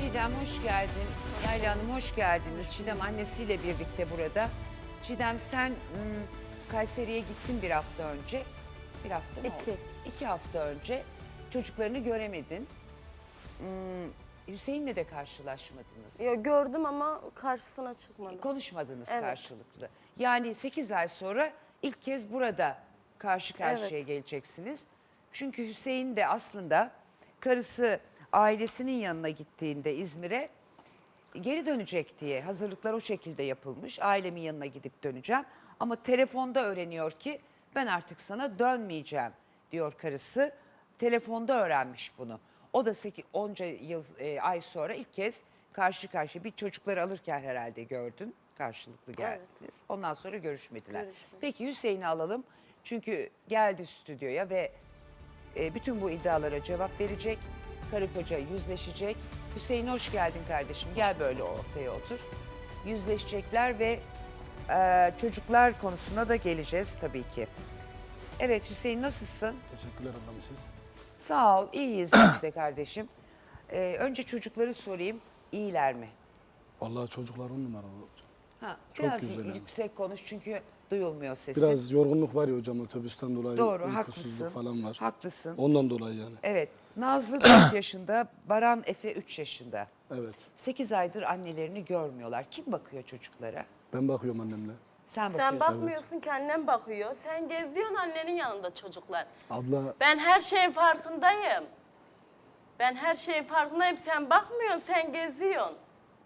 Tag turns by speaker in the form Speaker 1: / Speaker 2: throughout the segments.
Speaker 1: Çiğdem hoş geldin. Yayla Hanım hoş geldiniz. Çiğdem annesiyle birlikte burada. Çiğdem sen Kayseri'ye gittin bir hafta önce. Bir hafta mı oldu? 2 hafta önce. Çocuklarını göremedin. Hüseyin'le de karşılaşmadınız.
Speaker 2: Ya gördüm ama karşısına çıkmadım.
Speaker 1: Konuşmadınız
Speaker 2: Evet.
Speaker 1: karşılıklı. Yani 8 ay sonra ilk kez burada karşı karşıya
Speaker 2: Evet.
Speaker 1: geleceksiniz. Çünkü Hüseyin de aslında karısı ailesinin yanına gittiğinde İzmir'e geri dönecek diye hazırlıklar o şekilde yapılmış. Ailemin yanına gidip döneceğim. Ama telefonda öğreniyor ki ben artık sana dönmeyeceğim diyor karısı. Telefonda öğrenmiş bunu. O da onca yıl ay sonra ilk kez karşı karşıya bir çocukları alırken herhalde gördün. Karşılıklı geldiniz.
Speaker 2: Evet.
Speaker 1: Ondan sonra görüşmediler.
Speaker 2: Görüşmedik.
Speaker 1: Peki Hüseyin'i alalım. Çünkü geldi stüdyoya ve bütün bu iddialara cevap verecek. Karı koca yüzleşecek. Hüseyin hoş geldin kardeşim. Gel böyle ortaya otur. Yüzleşecekler ve çocuklar konusuna da geleceğiz tabii ki. Evet Hüseyin nasılsın?
Speaker 3: Teşekkürler ablam siz.
Speaker 1: Sağ ol, iyiyiz biz de kardeşim. Önce çocukları sorayım, iyiler mi?
Speaker 3: Vallahi çocuklar 10 numara hocam.
Speaker 1: Ha,
Speaker 3: Çok
Speaker 1: biraz
Speaker 3: güzel yani.
Speaker 1: yüksek konuş çünkü duyulmuyor sesin.
Speaker 3: Biraz yorgunluk var ya hocam otobüsten dolayı.
Speaker 1: Doğru,
Speaker 3: uykusuzluk
Speaker 1: haklısın.
Speaker 3: falan var.
Speaker 1: Haklısın.
Speaker 3: Ondan dolayı yani.
Speaker 1: Evet, Nazlı 4 yaşında, Baran Efe 3 yaşında.
Speaker 3: Evet.
Speaker 1: 8 aydır annelerini görmüyorlar. Kim bakıyor çocuklara?
Speaker 3: Ben bakıyorum annemle.
Speaker 1: Sen
Speaker 2: Sen
Speaker 1: bakıyorsun.
Speaker 2: bakmıyorsun ki annem bakıyor. Sen geziyorsun annenin yanında çocuklar.
Speaker 3: Abla
Speaker 2: Ben her şeyin farkındayım. Ben her şeyin farkındayım. Sen bakmıyorsun, sen geziyorsun.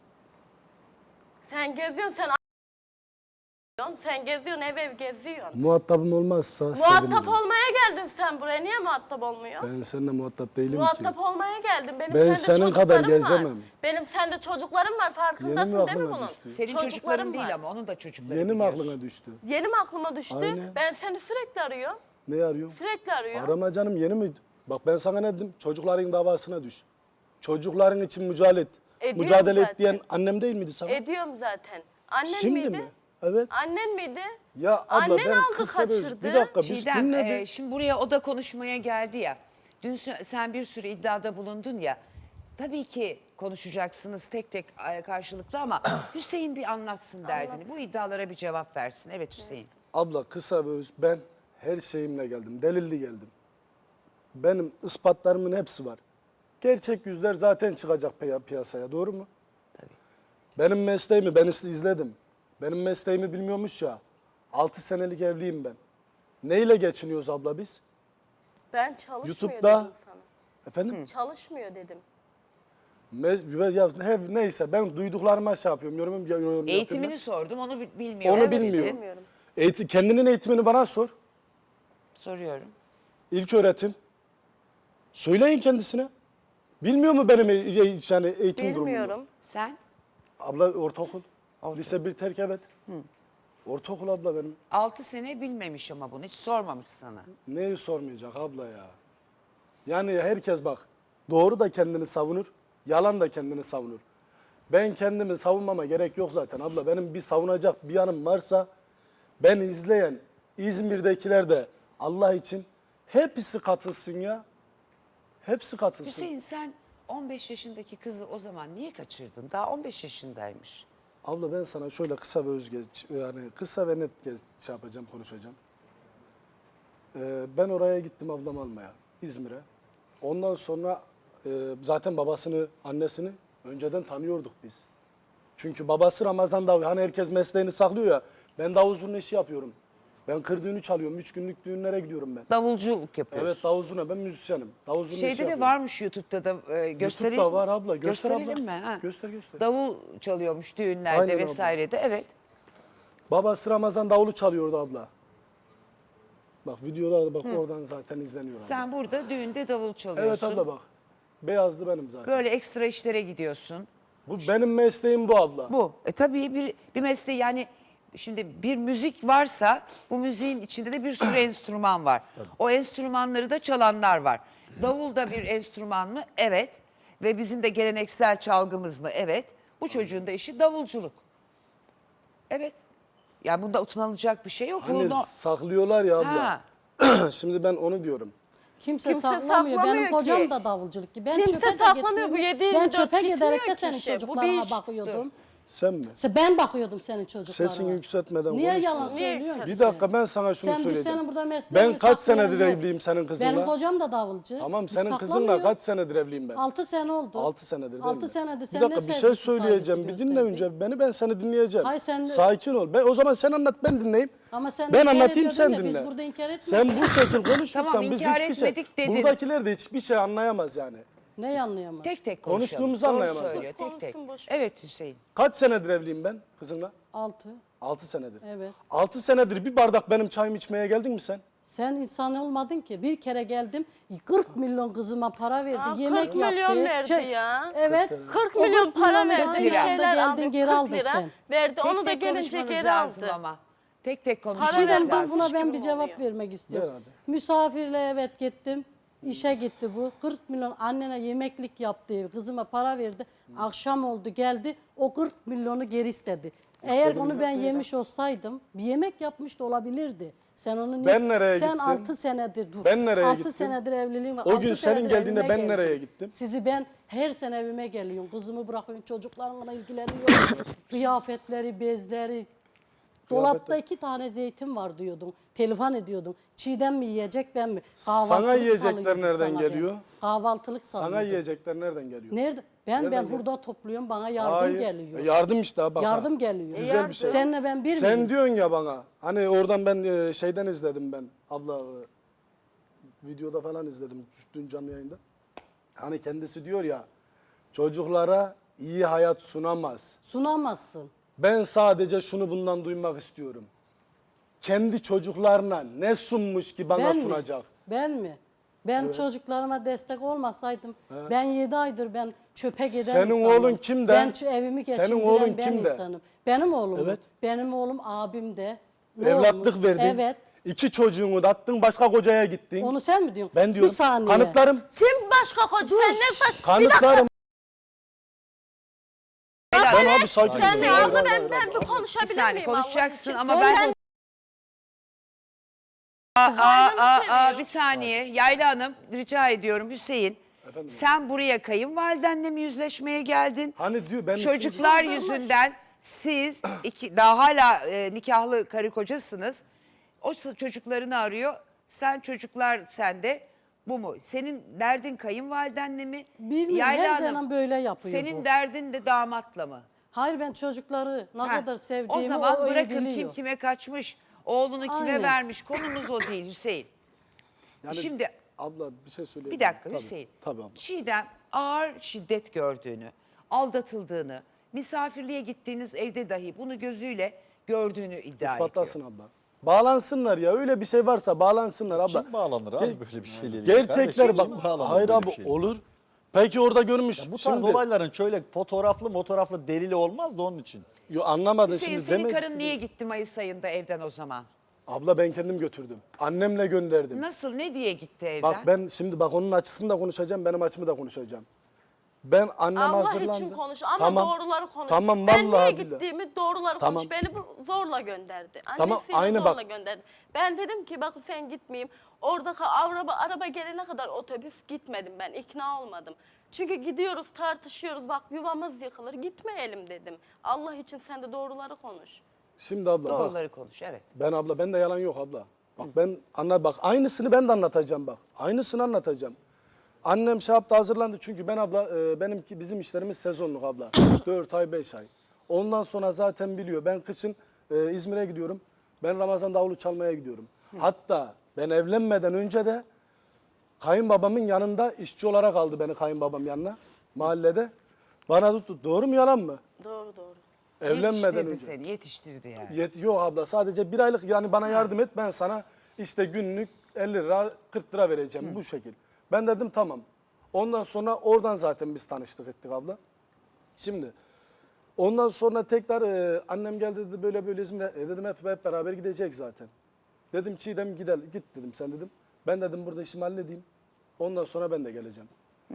Speaker 2: Sen geziyorsun, sen geziyorsun, ev geziyorsun.
Speaker 3: muhatabım olmazsa
Speaker 2: Muhatap
Speaker 3: sevinirim.
Speaker 2: olmaya geldin sen buraya. Niye muhatap olmuyorsun?
Speaker 3: Ben seninle muhatap değilim ki.
Speaker 2: Muhatap olmaya geldin. Benim
Speaker 3: Ben
Speaker 2: sende
Speaker 3: senin kadar
Speaker 2: çocuklarım var.
Speaker 3: gezemem.
Speaker 2: Benim sende çocuklarım var. Farkındasın
Speaker 3: Yeni mi
Speaker 2: değil mi
Speaker 3: aklına
Speaker 2: bunun?
Speaker 3: düştü?
Speaker 1: Senin çocukların
Speaker 2: Çocuklarım
Speaker 1: değil
Speaker 2: var.
Speaker 1: ama onun da çocukları
Speaker 3: Yeni mi
Speaker 1: biliyorsun.
Speaker 3: aklına düştü?
Speaker 2: Yeni mi aklıma düştü?
Speaker 3: Aynen.
Speaker 2: Ben seni sürekli arıyorum.
Speaker 3: Ne arıyorum?
Speaker 2: Sürekli arıyorum.
Speaker 3: Arama canım yeni mi? Bak ben sana ne dedim? Çocukların davasına düş. Çocukların için mücadele et.
Speaker 2: Ediyorum
Speaker 3: Mücadele et
Speaker 2: zaten.
Speaker 3: diyen annem değil miydi sana?
Speaker 2: Ediyorum zaten. Annen
Speaker 3: Şimdi
Speaker 2: miydi?
Speaker 3: mi? Evet.
Speaker 2: Annen miydi?
Speaker 3: Ya abla
Speaker 2: Annen
Speaker 3: ben
Speaker 2: aldı,
Speaker 3: kısa
Speaker 2: kaçırdı.
Speaker 3: bir dakika biz
Speaker 1: Çiğdem,
Speaker 3: dinle bir.
Speaker 1: şimdi buraya o da konuşmaya geldi ya. Dün sen bir sürü iddiada bulundun ya. Tabii ki konuşacaksınız tek tek karşılıklı ama Hüseyin bir anlatsın derdini.
Speaker 2: Anlatsın.
Speaker 1: Bu iddialara bir cevap versin. Evet Hüseyin.
Speaker 3: Abla kısa ve öz ben her şeyimle geldim. Delilli geldim. Benim ispatlarımın hepsi var. Gerçek yüzler zaten çıkacak piyasaya doğru mu?
Speaker 1: Tabii.
Speaker 3: Benim mesleğimi ben izledim. Benim mesleğimi bilmiyormuş ya. 6 senelik evliyim ben. Neyle geçiniyoruz abla biz?
Speaker 2: Ben çalışmıyor
Speaker 3: YouTube'da-
Speaker 2: dedim sana.
Speaker 3: Efendim?
Speaker 2: Çalışmıyor dedim.
Speaker 3: Neyse ben duyduklarıma şey yapıyorum. Yorum yapıyorum.
Speaker 1: Eğitimini sordum onu bilmiyor.
Speaker 3: Onu
Speaker 1: Evet,
Speaker 3: bilmiyor.
Speaker 1: dedi.
Speaker 2: Bilmiyorum.
Speaker 3: Kendinin eğitimini bana sor.
Speaker 1: Soruyorum.
Speaker 3: İlk öğretim. Söyleyin kendisine. Bilmiyor mu benim yani eğitim durumumu?
Speaker 2: Bilmiyorum.
Speaker 1: Sen
Speaker 3: Abla ortaokul.
Speaker 1: Ortaokul.
Speaker 3: Lise 1 terk evet. Ortaokul abla benim.
Speaker 1: 6 sene bilmemiş ama bunu hiç sormamış sana.
Speaker 3: Neyi sormayacak abla ya? Yani herkes bak doğru da kendini savunur, yalan da kendini savunur. Ben kendimi savunmama gerek yok zaten abla. Benim bir savunacak bir yanım varsa ben izleyen İzmir'dekiler de Allah için hepsi katılsın ya. Hepsi katılsın.
Speaker 1: Hüseyin sen 15 yaşındaki kızı o zaman niye kaçırdın? Daha 15 yaşındaymış.
Speaker 3: Abla ben sana şöyle kısa ve yani kısa ve net şey yapacağım, konuşacağım. Ben oraya gittim ablam almaya, İzmir'e. Ondan sonra zaten babasını, annesini önceden tanıyorduk biz. Çünkü babası Ramazan davul. Hani herkes mesleğini saklıyor ya. Ben davul zurna işi yapıyorum. Ben kır düğünü çalıyorum. 3 günlük düğünlere gidiyorum ben.
Speaker 1: Davulculuk yapıyorsun.
Speaker 3: Evet davul zurna. Ben müzisyenim. Davul zurna işi
Speaker 1: Şeyde de
Speaker 3: yapıyorum.
Speaker 1: varmış YouTube'da da gösterelim.
Speaker 3: YouTube'da var abla. Göster
Speaker 1: Gösterelim
Speaker 3: abla.
Speaker 1: mi? Ha.
Speaker 3: Göster göster.
Speaker 1: Davul çalıyormuş düğünlerde
Speaker 3: Aynen abla.
Speaker 1: vesairede. Evet.
Speaker 3: Babası Ramazan davulu çalıyordu abla. Bak videolarda bak oradan zaten izleniyor abla.
Speaker 1: Sen burada düğünde davul
Speaker 3: Evet
Speaker 1: çalıyorsun.
Speaker 3: abla bak. Beyazdı benim zaten.
Speaker 1: Böyle ekstra işlere gidiyorsun.
Speaker 3: Bu benim mesleğim bu abla.
Speaker 1: Bu. Tabii bir mesleği yani şimdi bir müzik varsa bu müziğin içinde de bir sürü enstrüman var. O enstrümanları da çalanlar var. Davul da bir enstrüman mı? Evet. Ve bizim de geleneksel çalgımız mı? Evet. Bu çocuğun da işi davulculuk. Evet. Yani bunda utanılacak bir şey yok.
Speaker 3: Hani
Speaker 1: Bunu-
Speaker 3: saklıyorlar ya abla.
Speaker 1: Ha.
Speaker 3: Şimdi ben onu diyorum.
Speaker 4: Kimse,
Speaker 2: Kimse
Speaker 4: saklamıyor.
Speaker 2: saklamıyor
Speaker 4: Benim kocam
Speaker 2: ki.
Speaker 4: da davulculuk gibi. Ben
Speaker 2: Kimse
Speaker 4: çöpe de
Speaker 2: saklamıyor. Bu
Speaker 4: gittiğimde-
Speaker 2: 7/24
Speaker 4: Ben çöpe
Speaker 2: gitmiyor
Speaker 4: giderek de
Speaker 2: ki
Speaker 4: senin
Speaker 2: işe. Bu bir
Speaker 4: çocuklarına
Speaker 2: iş.
Speaker 4: bakıyordum.
Speaker 3: Sen mi?
Speaker 4: Ben bakıyordum senin çocuklarına.
Speaker 3: Sesini yükseltmeden
Speaker 4: Niye
Speaker 3: konuş.
Speaker 4: yalan
Speaker 2: Niye
Speaker 4: söylüyorsun?
Speaker 3: Bir dakika ben sana şunu
Speaker 4: Biz
Speaker 3: söyleyeceğim.
Speaker 4: senin burada mesleğini
Speaker 3: Ben kaç
Speaker 4: saklayan
Speaker 3: senedir
Speaker 4: yok.
Speaker 3: evliyim senin kızınla?
Speaker 4: Benim kocam da davulcu.
Speaker 3: Tamam
Speaker 4: Biz
Speaker 3: senin kızınla
Speaker 4: saklamıyor.
Speaker 3: kaç senedir evliyim ben?
Speaker 4: 6 sene oldu.
Speaker 3: 6 senedir değil
Speaker 4: 6
Speaker 3: mi?
Speaker 4: senedir.
Speaker 3: Bir
Speaker 4: Sen
Speaker 3: dakika
Speaker 4: ne
Speaker 3: bir şey
Speaker 4: sevgisi
Speaker 3: söyleyeceğim.
Speaker 4: saygısı
Speaker 3: Bir dinle
Speaker 4: gösterdin?
Speaker 3: önce beni, ben seni dinleyeceğim.
Speaker 4: Hayır, sen-
Speaker 3: Sakin ol. O zaman sen anlat, ben dinleyeyim.
Speaker 4: Ama sen
Speaker 3: Ben
Speaker 4: inkar
Speaker 3: anlatayım,
Speaker 4: ediyordun
Speaker 3: sen
Speaker 4: ya, biz
Speaker 3: dinle.
Speaker 4: burada inkar etmiyoruz.
Speaker 3: Sen bu şekil konuşursan
Speaker 1: Tamam,
Speaker 3: biz
Speaker 1: inkar
Speaker 3: hiçbir şey...
Speaker 1: etmedik dedin.
Speaker 3: Buradakiler de hiçbir şey anlayamaz yani.
Speaker 4: Neyi anlayamaz?
Speaker 1: Tek tek konuşalım.
Speaker 3: Konuştuğumuzu
Speaker 1: Doğru
Speaker 3: anlayamazlar.
Speaker 1: söylüyor, tek tek.
Speaker 2: Konuşsun, boş ver.
Speaker 1: Evet Hüseyin.
Speaker 3: Kaç senedir evliyim ben kızınla?
Speaker 4: 6.
Speaker 3: 6 senedir.
Speaker 4: Evet.
Speaker 3: 6 senedir bir bardak benim çayımı içmeye geldin mi sen?
Speaker 4: Sen insan olmadın ki. Bir kere geldim 40 milyon kızıma para verdi.
Speaker 2: Aa,
Speaker 4: yemek
Speaker 2: 40 milyon
Speaker 4: yaptı.
Speaker 2: verdi ya.
Speaker 4: Evet.
Speaker 2: 40
Speaker 4: O
Speaker 2: milyon para
Speaker 4: milyonu
Speaker 2: verdi.
Speaker 4: aynı
Speaker 2: Bir
Speaker 4: anda
Speaker 2: şeyler
Speaker 4: geldin,
Speaker 2: aldı.
Speaker 4: geri
Speaker 2: 40
Speaker 4: aldın
Speaker 2: lira
Speaker 4: sen.
Speaker 2: verdi.
Speaker 1: Tek
Speaker 2: Onu da
Speaker 1: tek
Speaker 2: gelince
Speaker 1: konuşmanız
Speaker 2: geri
Speaker 1: lazım
Speaker 2: aldı.
Speaker 1: ama. Tek tek konuşmanız
Speaker 2: Para
Speaker 4: Çiğdem
Speaker 1: lazım.
Speaker 4: buna ben bir
Speaker 2: gibi
Speaker 4: cevap
Speaker 2: oluyor.
Speaker 4: vermek istiyorum.
Speaker 3: Ver hadi.
Speaker 4: Misafirle evet gittim. İşe gitti bu. 40 milyon annene yemeklik yaptı. Kızıma para verdi. Akşam oldu geldi. O 40 milyonu geri istedi. Eğer onu ben yemiş olsaydım bir yemek yapmış da olabilirdi. Sen onu niye?
Speaker 3: Ben nereye
Speaker 4: Sen
Speaker 3: gittim?
Speaker 4: 6 senedir dur.
Speaker 3: Ben nereye
Speaker 4: 6
Speaker 3: gittim?
Speaker 4: senedir evliliğim var.
Speaker 3: O
Speaker 4: 6
Speaker 3: gün senin
Speaker 4: senedir
Speaker 3: geldiğinde
Speaker 4: evime
Speaker 3: ben
Speaker 4: geldim.
Speaker 3: nereye gittim?
Speaker 4: Sizi ben her sene evime geliyorum. Kızımı bırakıyorum. Çocuklarımla ilgileniyorum. Kıyafetleri, bezleri. Dolapta 2 tane zeytin var diyordun. Telefon ediyordun. Çiğdem mi yiyecek ben mi?
Speaker 3: Sana yiyecekler
Speaker 4: salıyorduk
Speaker 3: nereden
Speaker 4: sana
Speaker 3: geliyor?
Speaker 4: ben. Kahvaltılık
Speaker 3: Sana
Speaker 4: salıyorduk.
Speaker 3: yiyecekler nereden geliyor?
Speaker 4: Nerede? Ben
Speaker 3: Nereden
Speaker 4: hurda topluyorum. Bana yardım
Speaker 3: Hayır.
Speaker 4: geliyor.
Speaker 3: Yardım işte ha, bak. ha.
Speaker 4: Yardım geliyor.
Speaker 3: Güzel bir şey.
Speaker 4: Seninle ben bir
Speaker 3: Sen
Speaker 4: miyim?
Speaker 3: diyorsun ya bana, hani oradan ben şeyden izledim ben abla, videoda falan izledim dün canlı yayında. Hani kendisi diyor ya, çocuklara iyi hayat sunamaz.
Speaker 4: Sunamazsın.
Speaker 3: Ben sadece şunu bundan duymak istiyorum. Kendi çocuklarına ne sunmuş ki bana
Speaker 4: Ben
Speaker 3: sunacak?
Speaker 4: mi? Ben mi? Ben çocuklarıma destek olmasaydım, ben 7 aydır ben çöpe giden
Speaker 3: Senin
Speaker 4: insanım.
Speaker 3: oğlun kimde?
Speaker 4: Ben evimi
Speaker 3: Senin
Speaker 4: geçindiren
Speaker 3: oğlun
Speaker 4: ben
Speaker 3: kimde?
Speaker 4: insanım. Benim oğlum.
Speaker 3: Evet.
Speaker 4: Benim oğlum abim de. Ne
Speaker 3: Evlatlık
Speaker 4: olmuş?
Speaker 3: verdin.
Speaker 4: Evet.
Speaker 3: 2 çocuğunu da attın, başka kocaya gittin.
Speaker 4: Onu sen mi diyorsun?
Speaker 3: Ben diyorum.
Speaker 4: Bir saniye.
Speaker 3: Kanıtlarım.
Speaker 2: Kim başka koca? Sen ne saç?
Speaker 3: Kanıtlarım.
Speaker 1: Helal.
Speaker 3: Sen abi sakin ol.
Speaker 2: Sen ne
Speaker 3: Hayır,
Speaker 2: abla
Speaker 3: hayır,
Speaker 2: ben
Speaker 3: hayır,
Speaker 2: bir
Speaker 3: hayır.
Speaker 2: konuşabilir
Speaker 1: Bir saniye
Speaker 2: miyim Allah
Speaker 1: konuşacaksın
Speaker 2: için?
Speaker 1: ama ben...
Speaker 2: Sen
Speaker 1: Bir saniye. Yayla Hanım rica ediyorum Hüseyin. Sen buraya kayınvalidenle mi yüzleşmeye geldin?
Speaker 3: Hani diyor ben
Speaker 1: Çocuklar yüzünden siz daha hala nikahlı karı kocasınız. O çocuklarını arıyor. Sen çocuklar sende. Bu mu? Senin derdin kayınvalidenle mi?
Speaker 4: Bilmiyorum,
Speaker 1: Yayla
Speaker 4: her
Speaker 1: Hanım,
Speaker 4: zaman böyle yapıyor
Speaker 1: senin
Speaker 4: bu.
Speaker 1: derdin de damatla mı?
Speaker 4: Hayır, ben çocukları ne
Speaker 1: Ha,
Speaker 4: kadar sevdiğimi
Speaker 1: o zaman
Speaker 4: öyle
Speaker 1: bırakın
Speaker 4: biliyor.
Speaker 1: kim kime kaçmış, oğlunu kime
Speaker 4: Aynen.
Speaker 1: vermiş. Konumuz o değil Hüseyin.
Speaker 3: Yani
Speaker 1: Şimdi
Speaker 3: abla bir şey söyleyeyim.
Speaker 1: bir dakika
Speaker 3: Tabii,
Speaker 1: Hüseyin.
Speaker 3: Tabii abla.
Speaker 1: Çiğdem ağır şiddet gördüğünü, aldatıldığını, misafirliğe gittiğiniz evde dahi bunu gözüyle gördüğünü iddia
Speaker 3: İspatlasın
Speaker 1: ediyor.
Speaker 3: abla. Bağlansınlar ya. Öyle bir şey varsa bağlansınlar abla.
Speaker 5: Kim bağlanır abi böyle bir şeyle ilgili?
Speaker 3: Gerçekler
Speaker 5: Kardeşim,
Speaker 3: bak.
Speaker 5: kim bağlanır
Speaker 3: Hayır
Speaker 5: böyle
Speaker 3: abi
Speaker 5: bir şeyle?
Speaker 3: olur. Peki orada görmüş.
Speaker 5: Bu tarz
Speaker 3: Şimdi
Speaker 5: olayların şöyle fotoğraflı delili olmaz da onun için.
Speaker 3: anlamadın
Speaker 1: Hüseyin
Speaker 3: şimdi
Speaker 1: senin
Speaker 3: demek
Speaker 1: karın
Speaker 3: istedim.
Speaker 1: niye gitti Mayıs ayında evden o zaman?
Speaker 3: Abla ben kendim götürdüm. Annemle gönderdim.
Speaker 1: Nasıl, ne diye gitti evden?
Speaker 3: Bak ben şimdi onun açısını da konuşacağım, benim açımı da konuşacağım. Ben annem
Speaker 2: Allah
Speaker 3: hazırlandı.
Speaker 2: için konuş ama doğruları konuş.
Speaker 3: Tamam
Speaker 2: ben
Speaker 3: vallahi
Speaker 2: niye
Speaker 3: billahi.
Speaker 2: gittiğimi doğruları
Speaker 3: Tamam.
Speaker 2: konuş. Beni zorla gönderdi.
Speaker 3: Tamam,
Speaker 2: Annesiyle
Speaker 3: aynı
Speaker 2: zorla
Speaker 3: bak.
Speaker 2: gönderdi. Ben dedim ki bakın sen gitmeyeyim. Orada araba gelene kadar otobüs gitmedim ben. İkna olmadım. Çünkü gidiyoruz tartışıyoruz. Bak yuvamız yıkılır. Gitmeyelim dedim. Allah için sen de doğruları konuş.
Speaker 3: Şimdi abla bak.
Speaker 1: Doğruları konuş, evet.
Speaker 3: Ben de yalan yok abla. Bak ben bak aynısını ben de anlatacağım bak. Aynısını anlatacağım. Annem şey yaptı, hazırlandı çünkü ben abla bizim işlerimiz sezonluk abla. 4 ay 5 ay. Ondan sonra zaten biliyor. Ben kışın İzmir'e gidiyorum. Ben Ramazan davulu çalmaya gidiyorum. Hatta ben evlenmeden önce de kayınbabamın yanında işçi olarak aldı beni kayınbabam yanına mahallede. Bana tuttu. Doğru mu yalan mı?
Speaker 2: Doğru doğru.
Speaker 3: Evlenmeden
Speaker 1: Yetiştirdi
Speaker 3: önce.
Speaker 1: seni, yetiştirdi yani.
Speaker 3: Yok abla, sadece bir aylık, yani bana yardım et, ben sana işte günlük 50 lira 40 lira vereceğim bu şekil. Ben dedim tamam. Ondan sonra oradan zaten biz tanıştık ettik abla. Şimdi ondan sonra tekrar annem geldi dedi böyle böyle İzmir'e. Dedim hep beraber gidecek zaten. Dedim Çiğdem git dedim sen dedim. Ben dedim burada işimi halledeyim. Ondan sonra ben de geleceğim.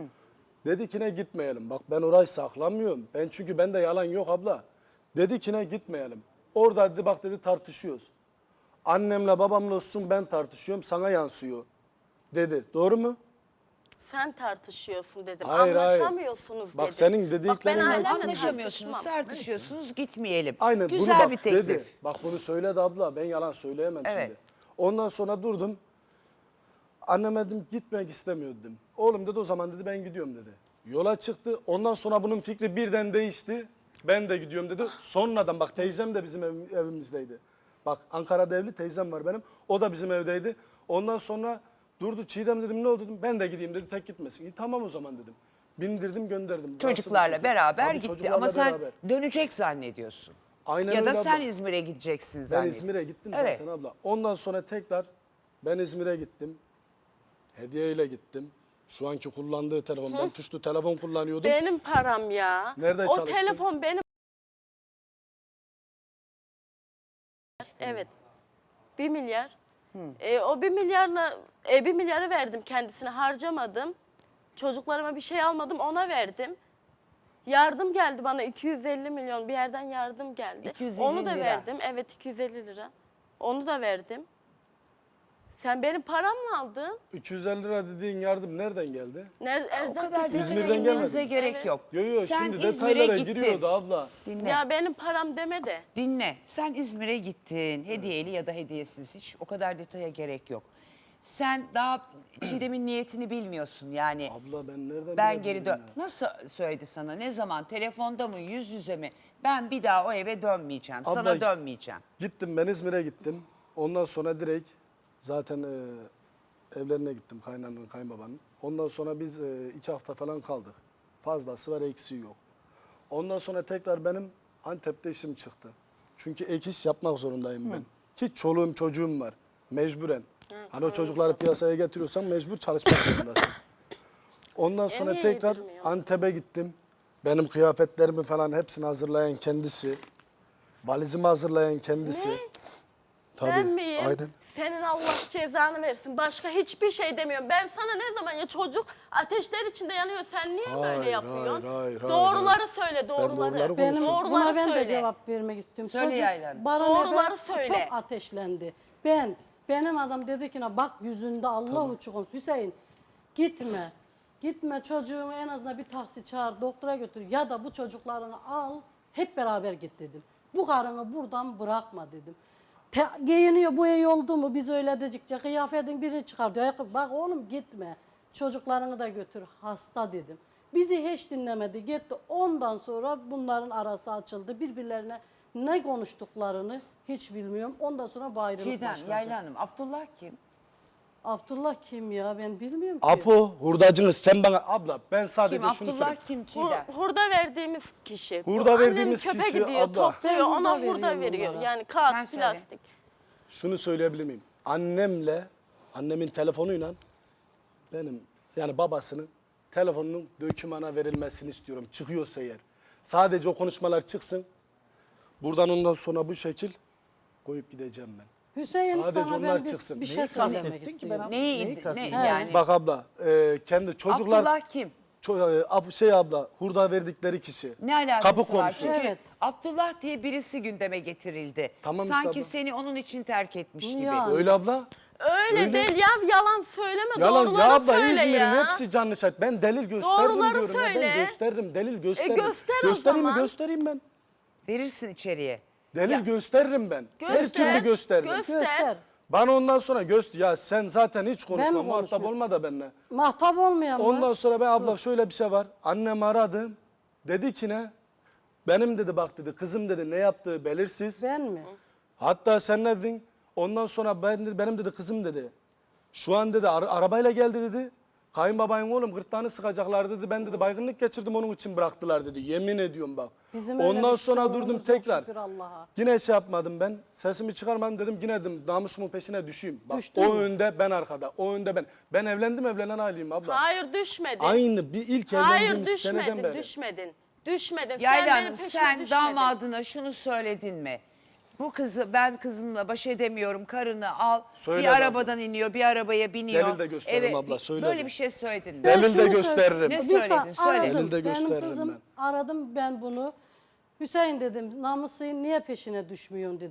Speaker 3: Dedi ki ne gitmeyelim. Bak ben orayı saklamıyorum. Çünkü bende yalan yok abla. Dedi ki ne gitmeyelim. Orada dedi bak dedi tartışıyoruz. Annemle babamla olsun ben tartışıyorum, sana yansıyor. dedi. Doğru mu?
Speaker 2: Sen tartışıyorsun dedim.
Speaker 3: Hayır, hayır.
Speaker 2: Anlaşamıyorsunuz
Speaker 3: Bak
Speaker 2: dedim.
Speaker 3: senin dediklerin
Speaker 2: ben
Speaker 3: hepsi-
Speaker 2: ailemle
Speaker 1: Anlaşamıyorsunuz,
Speaker 2: tartışmam.
Speaker 1: tartışıyorsunuz, gitmeyelim.
Speaker 3: Aynen
Speaker 1: Güzel
Speaker 3: bunu bak
Speaker 1: bir teklif.
Speaker 3: dedi. Bak bunu söyledi abla. Ben yalan söyleyemem
Speaker 1: Evet.
Speaker 3: şimdi. Ondan sonra durdum. Anneme dedim gitmek istemiyor dedim. Oğlum dedi o zaman dedi ben gidiyorum dedi. Yola çıktı. Ondan sonra bunun fikri birden değişti. Ben de gidiyorum dedi. Sonradan bak teyzem de bizim evimizdeydi. Bak Ankara'da evli teyzem var benim. O da bizim evdeydi. Ondan sonra durdu Çiğdem dedim ne oldu dedim. Ben de gideyim dedi tek gitmesin. İyi tamam o zaman dedim. Bindirdim gönderdim. Rahatsız bir
Speaker 1: Çocuklarla
Speaker 3: şekilde.
Speaker 1: beraber
Speaker 3: Tabii
Speaker 1: gitti
Speaker 3: çocuklarla
Speaker 1: ama sen
Speaker 3: beraber.
Speaker 1: dönecek zannediyorsun.
Speaker 3: Aynen
Speaker 1: Ya
Speaker 3: öyle
Speaker 1: da sen
Speaker 3: abla.
Speaker 1: İzmir'e gideceksin
Speaker 3: Ben
Speaker 1: zannediyorsun.
Speaker 3: İzmir'e gittim
Speaker 1: Evet.
Speaker 3: zaten abla. Ondan sonra tekrar ben İzmir'e gittim. Hediyeyle gittim. Şu anki kullandığı telefon. Ben tuşlu telefon kullanıyordum.
Speaker 2: Benim param ya.
Speaker 3: Nerede
Speaker 2: o
Speaker 3: çalıştın?
Speaker 2: telefon benim. Evet. 1 milyar. O 1 milyarla 1 milyarı verdim kendisine, harcamadım. Çocuklarıma bir şey almadım, ona verdim. Yardım geldi bana, 250 milyon bir yerden yardım geldi.
Speaker 1: 250
Speaker 2: Onu da
Speaker 1: lira.
Speaker 2: verdim. Evet, 250 lira. Onu da verdim. Sen benim paramla aldın.
Speaker 3: 250 lira dediğin yardım nereden geldi?
Speaker 2: Nerede,
Speaker 1: O
Speaker 2: erzak
Speaker 1: kadar
Speaker 2: getirdin.
Speaker 3: İzmir'den
Speaker 1: detaya inmenize
Speaker 3: gelmedi.
Speaker 1: gerek
Speaker 2: Evet.
Speaker 1: yok.
Speaker 3: Yo
Speaker 1: Sen
Speaker 3: şimdi
Speaker 1: İzmir'e
Speaker 3: detaylara
Speaker 1: gittin.
Speaker 3: giriyordu abla.
Speaker 1: Dinle.
Speaker 2: Ya benim param deme de.
Speaker 1: Dinle. Sen İzmir'e gittin. Hediyeli ya da hediyesiz, hiç o kadar detaya gerek yok. Sen daha Çiğdem'in niyetini bilmiyorsun yani.
Speaker 3: Abla ben nereden
Speaker 1: Ben
Speaker 3: bilebilirim
Speaker 1: geri dön.
Speaker 3: ya?
Speaker 1: Nasıl söyledi sana? Ne zaman? Telefonda mı? Yüz yüze mi? Ben bir daha o eve dönmeyeceğim.
Speaker 3: Abla-
Speaker 1: Sana dönmeyeceğim.
Speaker 3: Gittim ben İzmir'e gittim. Ondan sonra direkt zaten evlerine gittim kaynananın kayınbabanın. Ondan sonra biz 2 hafta falan kaldık. Fazlası var eksiği yok. Ondan sonra tekrar benim Antep'te işim çıktı. Çünkü ek iş yapmak zorundayım ben. Ki çoluğum çocuğum var. Mecburen. Hani o çocukları piyasaya getiriyorsan mecbur çalışmak zorundasın. Ondan sonra
Speaker 2: niye
Speaker 3: tekrar
Speaker 2: yedirmiyor?
Speaker 3: Antep'e gittim. Benim kıyafetlerimi falan hepsini hazırlayan kendisi. Valizimi hazırlayan kendisi.
Speaker 2: Ne?
Speaker 3: Tabii,
Speaker 2: Ben miyim?
Speaker 3: aynen.
Speaker 2: Senin Allah cezanı versin. Başka hiçbir şey demiyorum. Ben sana ne zaman, ya çocuk ateşler içinde yanıyor. Sen niye
Speaker 3: Hayır,
Speaker 2: böyle yapıyorsun?
Speaker 3: hayır,
Speaker 2: Doğruları söyle, doğruları.
Speaker 3: doğruları
Speaker 4: Benim,
Speaker 3: konuşuyorum.
Speaker 2: Doğruları
Speaker 4: buna ben de
Speaker 2: söyle.
Speaker 4: cevap vermek istiyorum.
Speaker 1: Söyle
Speaker 4: Çocuk
Speaker 1: Yaylan.
Speaker 4: bana
Speaker 2: Doğruları
Speaker 4: nefes
Speaker 2: söyle.
Speaker 4: çok ateşlendi. Benim adam dedi ki bak yüzünde Allah uçuk olsun. Hüseyin gitme. Gitme, çocuğumu en azından bir taksi çağır, doktora götür ya da bu çocuklarını al hep beraber git dedim. Bu karını buradan bırakma dedim. Giyiniyor, bu iyi oldu mu biz öyle dedikçe kıyafetin birini çıkar diyor. Bak oğlum gitme, çocuklarını da götür, hasta dedim. Bizi hiç dinlemedi, gitti. Ondan sonra bunların arası açıldı. Birbirlerine ne konuştuklarını hiç bilmiyorum. Ondan sonra bu ayrılık
Speaker 1: Çiğdem,
Speaker 4: başladı.
Speaker 1: Yayla Hanım, Abdullah kim?
Speaker 4: Abdullah kim ya, ben bilmiyorum ki.
Speaker 3: Apo hurdacınız sen bana abla ben sadece
Speaker 1: Kim?
Speaker 3: şunu
Speaker 1: Abdullah
Speaker 3: söyleyeyim.
Speaker 1: kim Çiğdem?
Speaker 2: Hurda verdiğimiz kişi.
Speaker 3: Hurda
Speaker 2: Annem
Speaker 3: verdiğimiz
Speaker 2: çöpe
Speaker 3: kişi
Speaker 2: gidiyor,
Speaker 3: abla.
Speaker 2: topluyor,
Speaker 4: Ben
Speaker 2: ona
Speaker 4: hurda
Speaker 2: hurda
Speaker 4: veriyorum
Speaker 2: veriyor.
Speaker 4: onlara.
Speaker 2: Yani
Speaker 1: Sen
Speaker 2: kağıt,
Speaker 1: söyle.
Speaker 2: plastik.
Speaker 3: Şunu söyleyebilir miyim? Annemin telefonuyla benim yani babasının telefonunun dökümana verilmesini istiyorum. Çıkıyorsa eğer. Sadece o konuşmalar çıksın. Buradan ondan sonra bu şekil koyup gideceğim ben.
Speaker 4: Hüseyin
Speaker 3: Sadece
Speaker 4: sana
Speaker 3: onlar
Speaker 4: ben
Speaker 3: çıksın.
Speaker 4: bir şey
Speaker 5: Neyi
Speaker 4: söylemek
Speaker 5: kastettin ki
Speaker 4: istiyorum.
Speaker 5: ben
Speaker 1: Neyi,
Speaker 5: neyi
Speaker 1: ne
Speaker 5: kastettin?
Speaker 1: yani?
Speaker 3: Bak abla kendi çocuklar
Speaker 1: Abdullah kim?
Speaker 3: abla hurda verdikleri kişi.
Speaker 1: Ne alakası
Speaker 3: Kapı
Speaker 1: var?
Speaker 3: komşu.
Speaker 1: Çünkü
Speaker 4: Evet.
Speaker 1: Abdullah diye birisi gündeme getirildi.
Speaker 3: Tamam işte
Speaker 1: Sanki
Speaker 3: abla.
Speaker 1: seni onun için terk etmiş gibi.
Speaker 4: Ya.
Speaker 3: Öyle abla.
Speaker 2: Öyle değil ya, yalan söyleme,
Speaker 3: Yalan
Speaker 2: doğruları
Speaker 3: ya abla
Speaker 2: söyle
Speaker 3: İzmir'in
Speaker 2: ya.
Speaker 3: hepsi canlı şahit. Ben delil gösterdim
Speaker 2: Doğruları
Speaker 3: diyorum. Ya.
Speaker 2: söyle.
Speaker 3: Ben gösteririm delil gösteririm.
Speaker 2: göster o
Speaker 3: Göstereyim mi?
Speaker 2: zaman.
Speaker 3: Göstereyim ben.
Speaker 1: Verirsin içeriye.
Speaker 3: Delil gösteririm ben. Her
Speaker 2: Göster,
Speaker 3: türlü gösteririm.
Speaker 4: Göster.
Speaker 3: Bana ondan sonra ya sen zaten hiç konuşma
Speaker 4: mi
Speaker 3: muhatap
Speaker 4: konuşmuyorum?
Speaker 3: olma da benimle.
Speaker 4: Mahtap olmayan mı?
Speaker 3: Ondan sonra ben abla şöyle bir şey var. Annem aradı. Dedi ki ne? Benim dedi bak dedi kızım dedi ne yaptığı belirsiz.
Speaker 4: Ben mi?
Speaker 3: Hatta sen ne dedin? Ondan sonra benim dedi kızım dedi. Şu an dedi arabayla geldi dedi. Kayınbabayın oğlum gırtlağını sıkacaklar dedi. Ben dedi baygınlık geçirdim onun için bıraktılar dedi. Yemin ediyorum bak.
Speaker 4: Bizim öyle
Speaker 3: Ondan
Speaker 4: bir
Speaker 3: sonra
Speaker 4: sorunumuz
Speaker 3: durdum
Speaker 4: yok
Speaker 3: tekrar.
Speaker 4: şükür Allah'a.
Speaker 3: Yine şey yapmadım ben. Sesimi çıkarmadım dedim. Yine dedim namusumun peşine düşeyim. Bak
Speaker 4: Düştün
Speaker 3: o
Speaker 4: mü?
Speaker 3: önde ben arkada. O önde ben. Ben evlenen aileyim abla.
Speaker 2: Hayır, düşmedin.
Speaker 3: Aynı bir ilk
Speaker 2: Hayır,
Speaker 3: evlendiğimiz seneden
Speaker 2: düşmedin,
Speaker 3: beri.
Speaker 2: düşmedin. Düşmedin.
Speaker 1: Yayla
Speaker 2: sen
Speaker 1: Hanım,
Speaker 2: benim peşime
Speaker 1: sen
Speaker 2: düşmedin.
Speaker 1: damadına şunu söyledin mi? Bu kızı ben kızımla baş edemiyorum, karını al.
Speaker 3: Söyle
Speaker 1: bir
Speaker 3: abla.
Speaker 1: arabadan iniyor, bir arabaya biniyor.
Speaker 3: Delil de gösteririm abla, söyledim.
Speaker 1: Böyle bir şey söyledin mi?
Speaker 3: Ben- Delil de
Speaker 4: şunu
Speaker 3: gösteririm.
Speaker 1: Ne
Speaker 4: Bir
Speaker 1: söyledin? Söyle.
Speaker 4: aradım.
Speaker 3: Delil de
Speaker 4: Benim
Speaker 3: gösteririm
Speaker 4: kızım
Speaker 3: ben.
Speaker 4: aradım ben bunu. Hüseyin dedim namusun niye peşine düşmüyorsun dedim.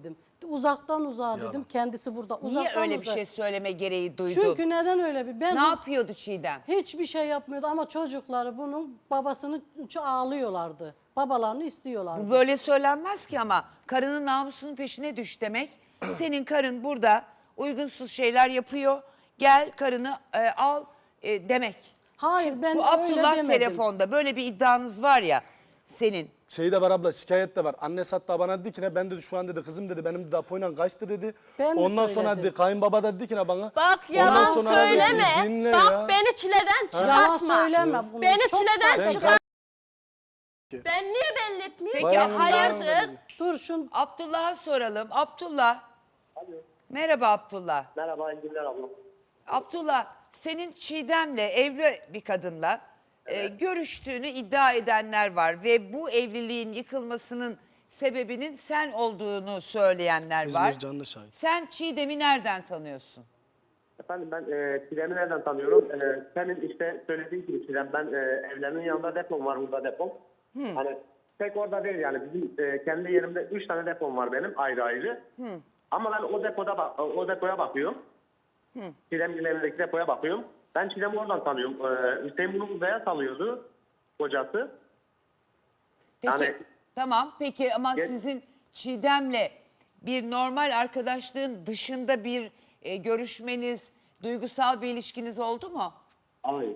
Speaker 4: uzaktan uzağa dedim. Kendisi burada.
Speaker 1: Niye
Speaker 4: Uzaktan
Speaker 1: öyle bir
Speaker 4: uzağa.
Speaker 1: şey söyleme gereği duydun?
Speaker 4: Çünkü neden öyle bir? Ben
Speaker 1: Ne yapıyordu Çiğdem?
Speaker 4: hiçbir şey yapmıyordu ama çocukları bunun babasını ağlıyorlardı. Babalarını istiyorlardı.
Speaker 1: Bu böyle söylenmez ki ama karının namusunun peşine düş demek. Senin karın burada uygunsuz şeyler yapıyor. Gel karını al demek.
Speaker 4: Hayır ben
Speaker 1: Bu
Speaker 4: öyle
Speaker 1: Abdullah
Speaker 4: demedim.
Speaker 1: telefonda böyle bir iddianız var ya senin.
Speaker 3: Şey de var abla, şikayet de var. Annesi hatta bana dedi ki ne, ben dedi şu an dedi kızım dedi benim dedi Apo'yla kaçtı dedi.
Speaker 4: Ben de
Speaker 3: Ondan sonra
Speaker 4: söyledim.
Speaker 3: dedi kayınbaba da dedi ki ne bana.
Speaker 2: Bak
Speaker 3: Ondan
Speaker 2: yalan
Speaker 3: sonra
Speaker 2: söyleme.
Speaker 3: dedi, dinle
Speaker 2: Bak
Speaker 3: ya.
Speaker 2: beni çileden
Speaker 4: Yalan
Speaker 2: çıkartma.
Speaker 4: söyleme bunu.
Speaker 2: Beni
Speaker 4: Çok
Speaker 2: çileden
Speaker 3: Sen-
Speaker 2: çıkart. Ben niye belli etmeyeyim?
Speaker 1: Peki,
Speaker 3: Bayanın
Speaker 1: hayırdır?
Speaker 3: davranışı.
Speaker 4: Dur şun
Speaker 1: Abdullah'a soralım. Abdullah. Merhaba Abdullah.
Speaker 6: Merhaba, iyi günler abla.
Speaker 1: Abdullah, senin Çiğdem'le evli bir kadınla görüştüğünü iddia edenler var ve bu evliliğin yıkılmasının sebebinin sen olduğunu söyleyenler
Speaker 3: İzmir
Speaker 1: var.
Speaker 3: canlı şahit.
Speaker 1: Sen Çiğdem'i nereden tanıyorsun?
Speaker 6: Efendim ben Çiğdem'i nereden tanıyorum? Senin işte söylediğin gibi Çiğdem, ben evlerinin yanında depom var, burada depom. Hani tek orada değil yani, bizim kendi yerimde 3 tane depom var benim ayrı ayrı. Ama ben o depoya bakıyorum. Çiğdem'in evindeki depoya bakıyorum. Ben Çiğdem'i oradan tanıyorum. Hüseyin bunu uzaya salıyordu, kocası.
Speaker 1: Peki,
Speaker 6: Yani-
Speaker 1: tamam peki ama
Speaker 6: Ge-
Speaker 1: sizin Çiğdem'le bir normal arkadaşlığın dışında bir görüşmeniz, duygusal bir ilişkiniz oldu mu?
Speaker 6: Hayır.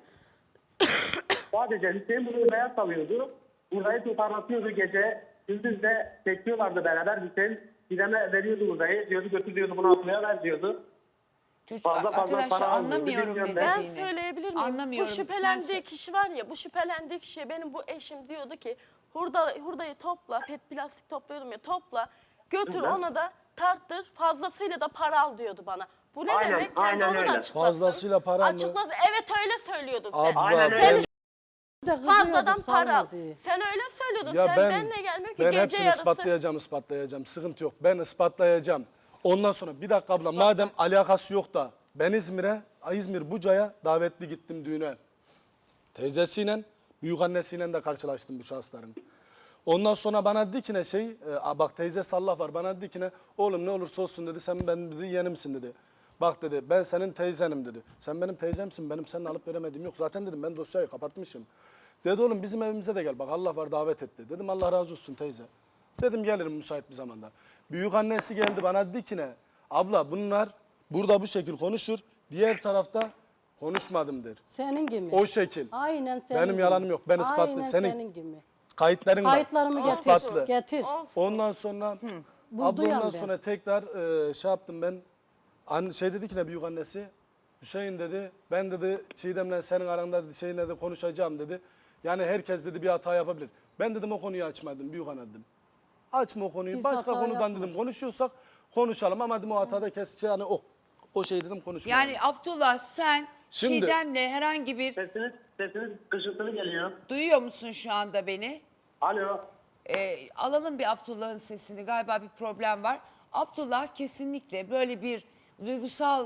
Speaker 6: Sadece Hüseyin bunu uzaya salıyordu. Uzayı toparlatıyordu gece. Gündüz de çekiyorlardı beraber. Hüseyin Çiğdem'e veriyordu uzayı. Diyordu götür diyordu, bunu atmaya ver diyordu.
Speaker 1: Çocuk,
Speaker 6: Fazla
Speaker 1: arkadaşlar
Speaker 6: para almıyordu,
Speaker 1: anlamıyorum
Speaker 6: bilmiyorum
Speaker 1: ne
Speaker 6: ben.
Speaker 2: Ben
Speaker 1: dediğini.
Speaker 2: söyleyebilir miyim?
Speaker 1: Anlamıyorum.
Speaker 2: Bu
Speaker 1: Sen
Speaker 2: şüphelendiği kişi var ya, bu şüphelendiği kişiye benim bu eşim diyordu ki hurdayı topla, pet plastik topluyordum ya, topla götür
Speaker 6: Hı hı.
Speaker 2: ona da tarttır, fazlasıyla da para al diyordu bana. Bu ne
Speaker 6: Aynen,
Speaker 2: demek? Kendi
Speaker 6: aynen
Speaker 2: onu da
Speaker 6: öyle.
Speaker 2: açıklasın.
Speaker 3: Fazlasıyla para mı?
Speaker 2: Açıklasın. Evet öyle söylüyordun sen.
Speaker 3: Abla
Speaker 6: Aynen
Speaker 3: ben,
Speaker 6: öyle.
Speaker 2: Sen
Speaker 4: de
Speaker 2: fazladan
Speaker 4: kızıyorduk,
Speaker 2: para al.
Speaker 4: salma diye.
Speaker 2: Sen öyle söylüyordun.
Speaker 3: ya
Speaker 2: sen
Speaker 3: ben,
Speaker 2: benimle gelmiyor ki
Speaker 3: ben
Speaker 2: gece
Speaker 3: hepsini
Speaker 2: yarısı.
Speaker 3: ispatlayacağım. Sıkıntı yok. Ben ispatlayacağım. Ondan sonra bir dakika abla, madem alakası yok da ben İzmir Buca'ya davetli gittim düğüne. Teyzesiyle, büyükannesiyle de karşılaştım bu şahısların. Ondan sonra bana dedi ki ne bak teyze sallah var, bana dedi ki ne, oğlum ne olursa olsun dedi, sen benim dedi yeğenimsin dedi. Bak dedi, ben senin teyzenim dedi. Sen benim teyzemsin, benim seninle alıp veremediğim yok. Zaten dedim ben dosyayı kapatmışım. Dedi oğlum bizim evimize de gel, bak Allah var davet etti. Dedim Allah razı olsun teyze. Dedim gelirim müsait bir zamanda. Büyük annesi geldi bana dedi ki ne, abla bunlar burada bu şekil konuşur, diğer tarafta konuşmadım der.
Speaker 4: Senin gibi.
Speaker 3: O şekil.
Speaker 4: Aynen senin
Speaker 3: Benim
Speaker 4: gibi.
Speaker 3: yalanım yok, ben ispatlı.
Speaker 4: Aynen
Speaker 3: Senin
Speaker 4: gibi.
Speaker 3: kayıtların var.
Speaker 4: Kayıtlarımı getir.
Speaker 3: İspatlı.
Speaker 4: Getir.
Speaker 3: Ondan sonra
Speaker 4: Buldu yani
Speaker 3: ondan
Speaker 4: ben.
Speaker 3: sonra tekrar şey yaptım ben. Şey dedi ki ne büyük annesi, Hüseyin dedi, ben dedi Çiğdem'le senin aranda dedi, şeyinle de konuşacağım dedi. Yani herkes dedi bir hata yapabilir. Ben dedim o konuyu açmadım büyük anne dedim. Açma o konuyu.
Speaker 4: Biz
Speaker 3: Başka
Speaker 4: hata
Speaker 3: konudan
Speaker 4: yapmadık.
Speaker 3: dedim konuşuyorsak konuşalım ama dedim o hatada kes yani o şey dedim konuşmayalım.
Speaker 1: Yani Abdullah sen
Speaker 3: Şimdi-
Speaker 1: Çiğdem'le herhangi bir
Speaker 6: Sesiniz kışırtılı geliyor.
Speaker 1: duyuyor musun şu anda beni?
Speaker 6: Alo.
Speaker 1: Alalım bir Abdullah'ın sesini, galiba bir problem var. Abdullah kesinlikle böyle bir duygusal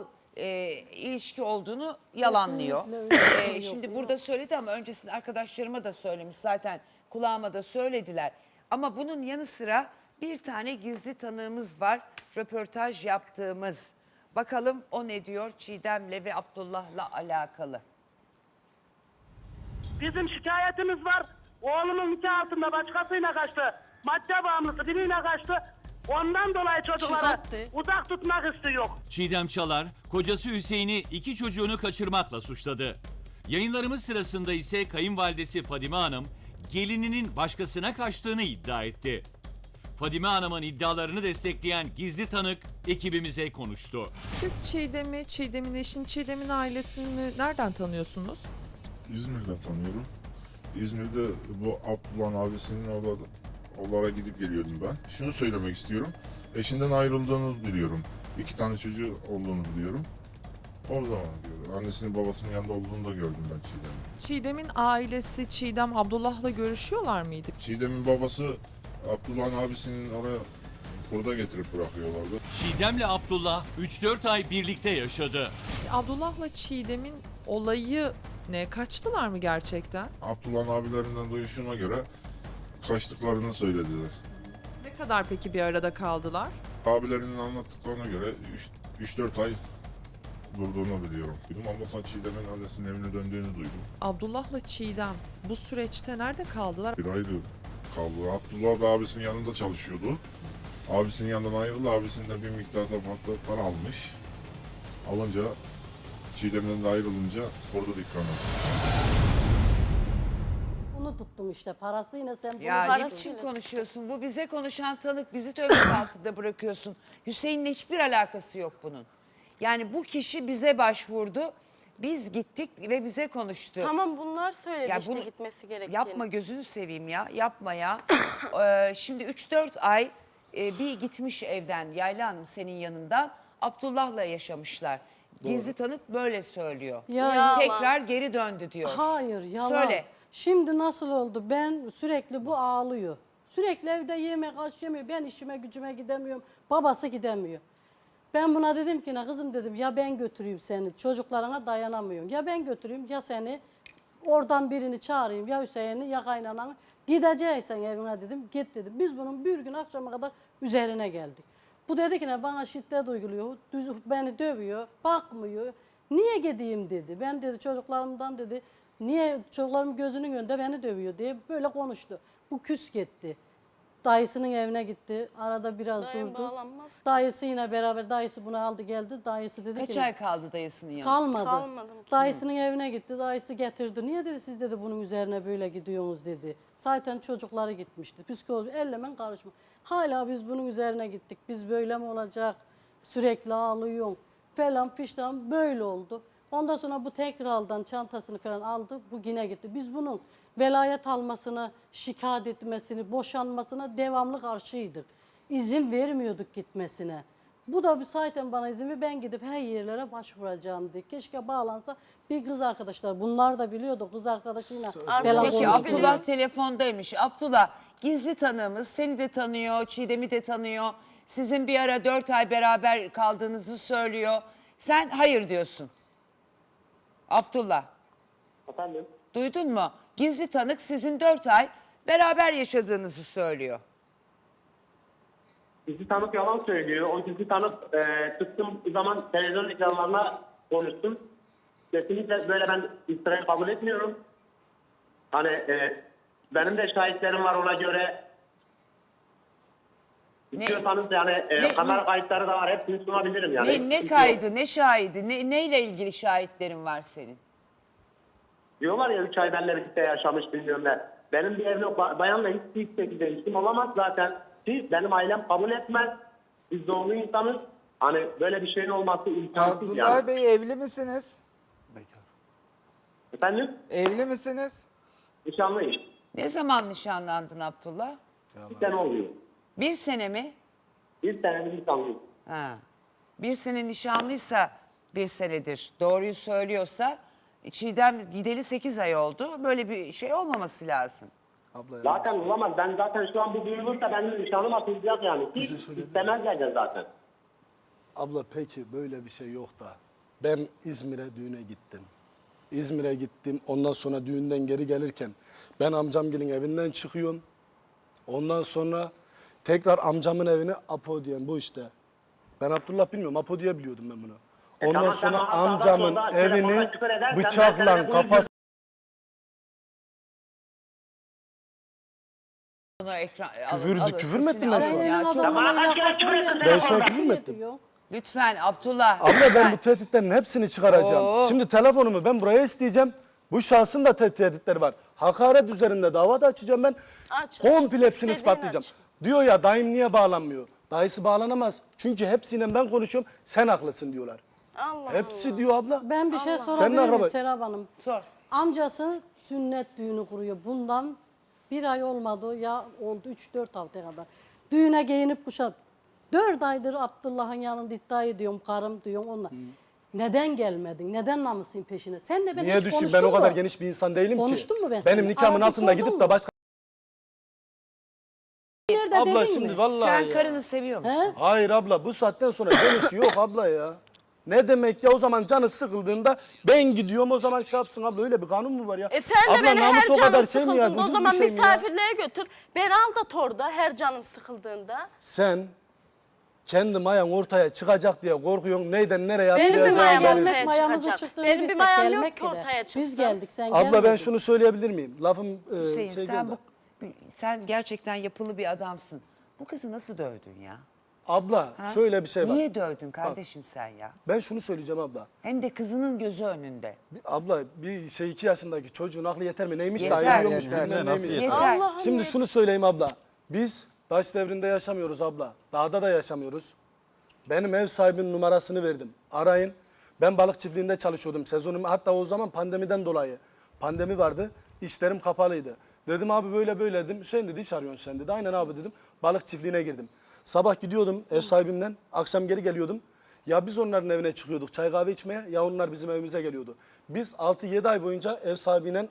Speaker 1: ilişki olduğunu yalanlıyor.
Speaker 4: Kesinlikle öyle bir şey yok.
Speaker 1: Şimdi burada söyledi ama öncesinde arkadaşlarıma da söylemiş zaten, kulağıma da söylediler. Ama bunun yanı sıra bir tane gizli tanığımız var, röportaj yaptığımız. Bakalım o ne diyor Çiğdem'le ve Abdullah'la alakalı.
Speaker 7: Bizim şikayetimiz var. Oğlumun nikah altında başkasıyla kaçtı. Madde bağımlısı biriyle kaçtı. Ondan dolayı çocukları
Speaker 2: Çıkarttı.
Speaker 7: uzak tutmak istiyor.
Speaker 8: Çiğdem Çalar, kocası Hüseyin'i 2 çocuğunu kaçırmakla suçladı. Yayınlarımız sırasında ise kayınvalidesi Fadime Hanım, gelininin başkasına kaçtığını iddia etti. Fadime Hanım'ın iddialarını destekleyen gizli tanık ekibimize konuştu.
Speaker 9: Siz Çiğdem'i, Çiğdem'in eşini, Çiğdem'in ailesini nereden tanıyorsunuz?
Speaker 10: İzmir'den tanıyorum. İzmir'de bu Abdullah'ın abisinin oralara gidip geliyordum ben. Şunu söylemek istiyorum. Eşinden ayrıldığını biliyorum. 2 tane çocuğu olduğunu biliyorum. O zaman diyor. Annesinin babasının yanında olduğunu da gördüm ben Çiğdem'in.
Speaker 9: Çiğdem'in ailesi Çiğdem Abdullah'la görüşüyorlar mıydı?
Speaker 10: Çiğdem'in babası Abdullah'ın abisinin oraya burada getirip bırakıyorlardı.
Speaker 8: Çiğdem'le Abdullah 3-4 ay birlikte yaşadı.
Speaker 9: Abdullah'la Çiğdem'in olayı ne? Kaçtılar mı gerçekten?
Speaker 10: Abdullah'ın abilerinden duyuşuma göre kaçtıklarını söylediler.
Speaker 9: Ne kadar peki bir arada kaldılar?
Speaker 10: Abilerinin anlattıklarına göre 3-4 ay durduğunu biliyorum. Ondan sonra Çiğdem'in annesinin evine döndüğünü duydum.
Speaker 9: Abdullah'la Çiğdem bu süreçte nerede kaldılar?
Speaker 10: Bir ay kaldı. Abdullah da abisinin yanında çalışıyordu. Abisinin yanından ayrıldı. Abisinden bir miktarda para almış. Alınca Çiğdem'den de ayrılınca orada dükkan açmış.
Speaker 4: Bunu tuttum işte parasıyla sen bunu
Speaker 1: Ya ne
Speaker 2: Parasıyla
Speaker 1: biçim
Speaker 2: tuttu.
Speaker 1: konuşuyorsun? Bu bize konuşan tanık, bizi töhmet altında bırakıyorsun. Hüseyin'le hiçbir alakası yok bunun. Yani bu kişi bize başvurdu. Biz gittik ve bize konuştu.
Speaker 2: Tamam bunlar söyledi
Speaker 1: Ya
Speaker 2: işte
Speaker 1: bunu
Speaker 2: gitmesi gerektiğini.
Speaker 1: Yapma gözünü seveyim ya. Yapma ya. Şimdi 3-4 ay bir gitmiş evden Yayla Hanım senin yanından. Abdullah'la yaşamışlar. Gizli tanık böyle söylüyor.
Speaker 4: Ya-
Speaker 1: Tekrar geri döndü diyor.
Speaker 4: Hayır yalan.
Speaker 1: Söyle.
Speaker 4: Şimdi nasıl oldu? Ben sürekli bu ağlıyor. Sürekli evde yemek aç yemiyor. Ben işime gücüme gidemiyorum. Babası gidemiyor. Ben buna dedim ki ne kızım dedim ya ben götüreyim seni. Çocuklarına dayanamıyorum. Ya ben götüreyim ya seni oradan birini çağırayım. Ya Hüseyin'i ya kaynananı. Gideceksen evine dedim. Git dedim. Biz bunun bir gün akşama kadar üzerine geldik. Bu dedi ki ne bana şiddet uyguluyor. Beni dövüyor. Bakmıyor. Niye gideyim dedi. Ben dedi çocuklarımdan dedi. Niye çocuklarım gözünün önünde beni dövüyor diye böyle konuştu. Bu küs gitti. Dayısının evine gitti. Arada biraz
Speaker 2: Dayı
Speaker 4: durdu.
Speaker 2: bağlanmaz ki.
Speaker 4: Dayısı yine beraber dayısı bunu aldı geldi. Dayısı dedi
Speaker 1: Kaç
Speaker 4: ki
Speaker 1: ay kaldı dayısının yanında?
Speaker 4: kalmadı.
Speaker 2: Kalmadım ki.
Speaker 4: Dayısının evine gitti. Dayısı getirdi. Niye dedi siz dedi bunun üzerine böyle gidiyorsunuz dedi. Zaten çocukları gitmişti. Psikoloji ellemen karışma. Hala biz bunun üzerine gittik. Biz böyle mi olacak? Sürekli ağlıyorsun falan fiştan böyle oldu. Ondan sonra bu tekrardan çantasını falan aldı. Bu yine gitti. Biz bunun velayet almasına, şikayet etmesini, boşanmasına devamlı karşıydık. İzin vermiyorduk gitmesine. Bu da zaten bana izin ver. Ben gidip her yerlere başvuracağım diye. Keşke bağlansa bir kız arkadaşlar. Bunlar da biliyordu kız arkadaşıyla falan
Speaker 1: Peki
Speaker 4: konuştu.
Speaker 1: Abdullah telefondaymış. Abdullah gizli tanığımız seni de tanıyor, Çiğdem'i de tanıyor. Sizin bir ara 4 ay beraber kaldığınızı söylüyor. Sen hayır diyorsun. Abdullah
Speaker 6: Efendim?
Speaker 1: duydun mu? Gizli tanık sizin 4 ay beraber yaşadığınızı söylüyor.
Speaker 6: Gizli tanık yalan söylüyor. O gizli tanık çıktığım zaman televizyon ekranlarına konuştum. Kesinlikle böyle ben iftirayı kabul etmiyorum. Hani benim de şahitlerim var ona göre. İstiyorsanız yani kamera kayıtları da var. Hepsini sunabilirim yani.
Speaker 1: Ne kaydı, ne şahidi, neyle ilgili şahitlerin var senin?
Speaker 6: Diyorlar ya 3 ay benimle birlikte yaşamış bilmiyorum ne. Benim bir evli bayanla hiçbir şekilde ilişkim olamaz zaten. Ki benim ailem kabul etmez. Biz doğumlu insanız. Hani böyle bir şeyin olması imkansız
Speaker 11: Abdullah
Speaker 6: yani.
Speaker 11: Bey evli misiniz?
Speaker 3: Bekar.
Speaker 6: Efendim?
Speaker 11: Evli misiniz?
Speaker 6: Nişanlıyız.
Speaker 1: Ne zaman nişanlandın Abdullah?
Speaker 6: Bir sene oluyor.
Speaker 1: 1 sene mi?
Speaker 6: Bir senedir nişanlıyız.
Speaker 1: Ha. 1 sene nişanlıysa 1 senedir. Doğruyu söylüyorsa Çiğdem gideli 8 ay oldu. Böyle bir şey olmaması lazım.
Speaker 3: Abla ya.
Speaker 6: Zaten olamaz. Ben zaten şu an bu duyulursa benim nişanım atılacak yani. Hiç istemezler de zaten.
Speaker 3: Abla peki böyle bir şey yok da. Ben İzmir'e düğüne gittim. İzmir'e gittim. Ondan sonra düğünden geri gelirken ben amcamgilin evinden çıkıyorum. Ondan sonra tekrar amcamın evine Apo diyen bu işte. Ben Abdullah bilmiyorum. Apo diye biliyordum ben bunu. Ondan
Speaker 6: tamam, sen
Speaker 3: sonra
Speaker 6: bana
Speaker 3: amcamın
Speaker 6: sağdan soldan
Speaker 3: evini
Speaker 6: telefonla küfür edersen ben
Speaker 3: bıçakla
Speaker 6: sana
Speaker 3: kafasına
Speaker 1: Bunu ekran
Speaker 3: Küfür mü ettim ben şu an?
Speaker 4: Senin
Speaker 1: Çok-
Speaker 4: adamla
Speaker 6: Bana kaç kere
Speaker 4: alakası
Speaker 6: küfür ettin
Speaker 4: olmayan
Speaker 3: Ben şu an
Speaker 4: bir
Speaker 3: küfür mü
Speaker 4: şey
Speaker 3: ettim?
Speaker 4: diyor.
Speaker 1: Lütfen Abdullah.
Speaker 3: Abla ben
Speaker 1: lütfen.
Speaker 3: bu tehditlerin hepsini çıkaracağım.
Speaker 1: Oo.
Speaker 3: Şimdi telefonumu ben buraya isteyeceğim. Bu şahsın da tehditleri var. Hakaret üzerinde dava da açacağım ben.
Speaker 2: Aç.
Speaker 3: Komple hepsini
Speaker 2: İstediğini
Speaker 3: ispatlayacağım.
Speaker 2: aç.
Speaker 3: Diyor ya dayım niye bağlanmıyor? Dayısı bağlanamaz. Çünkü hepsiyle ben konuşuyorum. Sen haklısın diyorlar.
Speaker 2: Allah
Speaker 3: Hepsi diyor abla.
Speaker 4: Ben bir şey
Speaker 3: Sen
Speaker 4: sorabilir
Speaker 3: ne
Speaker 4: miyim
Speaker 3: araba-
Speaker 4: Serap Hanım?
Speaker 1: Sor.
Speaker 4: Amcası sünnet düğünü kuruyor. Bundan bir ay olmadı ya oldu 3-4 hafta kadar. Düğüne giyinip kuşat. 4 aydır Abdullah'ın yanında iddia ediyorum karım diyorum onunla. Neden gelmedin? Neden namusun peşine? Senle ben
Speaker 3: Niye
Speaker 4: hiç
Speaker 3: düşün?
Speaker 4: konuştun
Speaker 3: Ben o kadar
Speaker 4: mu?
Speaker 3: geniş bir insan değilim ki.
Speaker 4: Konuştun mu ben
Speaker 3: Benim
Speaker 4: seninle?
Speaker 3: nikahımın
Speaker 4: Aradık,
Speaker 3: altında
Speaker 4: sordun
Speaker 3: gidip
Speaker 4: mu?
Speaker 3: de başka...
Speaker 4: Yerde
Speaker 3: Abla
Speaker 4: dedin
Speaker 3: şimdi
Speaker 4: mi?
Speaker 3: vallahi
Speaker 1: Sen
Speaker 3: ya.
Speaker 1: karını seviyor musun?
Speaker 4: He?
Speaker 3: Hayır abla bu saatten sonra dönüşü yok abla ya. Ne demek ya o zaman canı sıkıldığında ben gidiyorum o zaman şey yapsın abla öyle bir kanun mu var ya?
Speaker 2: Sen de
Speaker 3: abla
Speaker 2: beni her
Speaker 3: namus o kadar
Speaker 2: canın
Speaker 3: şey mi ya?
Speaker 2: sıkıldığında o
Speaker 3: Ucuz
Speaker 2: zaman
Speaker 3: bir şey mi ya?
Speaker 2: misafirliğe götür. Beni aldat orada her canın sıkıldığında.
Speaker 3: Sen kendi mayan ortaya çıkacak diye korkuyorsun. Neyden nereye
Speaker 2: Benim bir
Speaker 3: atlayacağını
Speaker 2: mayam
Speaker 3: belirsiz.
Speaker 2: ortaya
Speaker 4: Gelmek mayamızın
Speaker 2: çıkacak.
Speaker 4: çıktığını
Speaker 2: Benim bir
Speaker 4: bilsek
Speaker 2: mayam yok
Speaker 4: gelmek
Speaker 2: ki
Speaker 4: de.
Speaker 2: ortaya
Speaker 4: Biz
Speaker 2: çıksın.
Speaker 4: geldik sen
Speaker 3: Abla ben
Speaker 4: gelmedin.
Speaker 3: şunu söyleyebilir miyim? Lafım
Speaker 1: Hüseyin
Speaker 3: şey
Speaker 1: sen,
Speaker 3: geldi.
Speaker 1: sen gerçekten yapılı bir adamsın. Bu kızı nasıl dövdün ya?
Speaker 3: Abla
Speaker 1: Ha?
Speaker 3: şöyle bir şey var.
Speaker 1: Niye dövdün kardeşim sen ya?
Speaker 3: Ben şunu söyleyeceğim abla.
Speaker 1: Hem de kızının gözü önünde.
Speaker 3: Abla bir şey 2 yaşındaki çocuğun aklı yeter mi? Neymiş
Speaker 1: Yeter.
Speaker 3: daha yürüyormuş.
Speaker 5: Yeter,
Speaker 3: bilmem
Speaker 5: nasıl
Speaker 3: neymiş.
Speaker 5: yeter?
Speaker 1: Yeter.
Speaker 2: Allah'ım
Speaker 3: Şimdi
Speaker 2: yeter.
Speaker 3: şunu söyleyeyim abla. Biz taş devrinde yaşamıyoruz abla. Dağda da yaşamıyoruz. Benim ev sahibinin numarasını verdim. Arayın. Ben balık çiftliğinde çalışıyordum. Sezonum hatta o zaman pandemiden dolayı. Pandemi vardı. İşlerim kapalıydı. Dedim abi böyle böyle dedim. Hüseyin dedi iş arıyorsun sen dedi. Aynen abi dedim. Balık çiftliğine girdim. Sabah gidiyordum ev sahibimle. Akşam geri geliyordum. Ya biz onların evine çıkıyorduk çay kahve içmeye ya onlar bizim evimize geliyordu. Biz 6-7 ay boyunca ev sahibiyle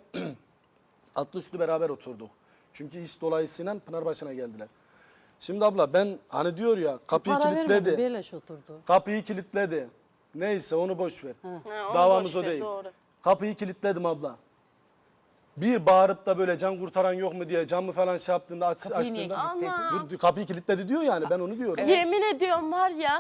Speaker 3: atlı üstü beraber oturduk. Çünkü iş dolayısıyla Pınarbaşı'na geldiler. Şimdi abla ben hani diyor ya kapıyı
Speaker 4: Para vermedi,
Speaker 3: kilitledi.
Speaker 4: beleş oturdu.
Speaker 3: Kapıyı kilitledi. Neyse onu boş ver.
Speaker 2: onu
Speaker 3: Davamız
Speaker 2: boş
Speaker 3: o
Speaker 2: ver,
Speaker 3: değil.
Speaker 2: doğru.
Speaker 3: Kapıyı kilitledim abla. Bir bağırıp da böyle can kurtaran yok mu diye camı falan şey yaptığında
Speaker 1: Kapıyı niye
Speaker 3: açtığında
Speaker 1: kilitledin?
Speaker 3: dur, kapıyı kilitledi diyor yani ben onu diyorum.
Speaker 2: Yemin ediyorum var ya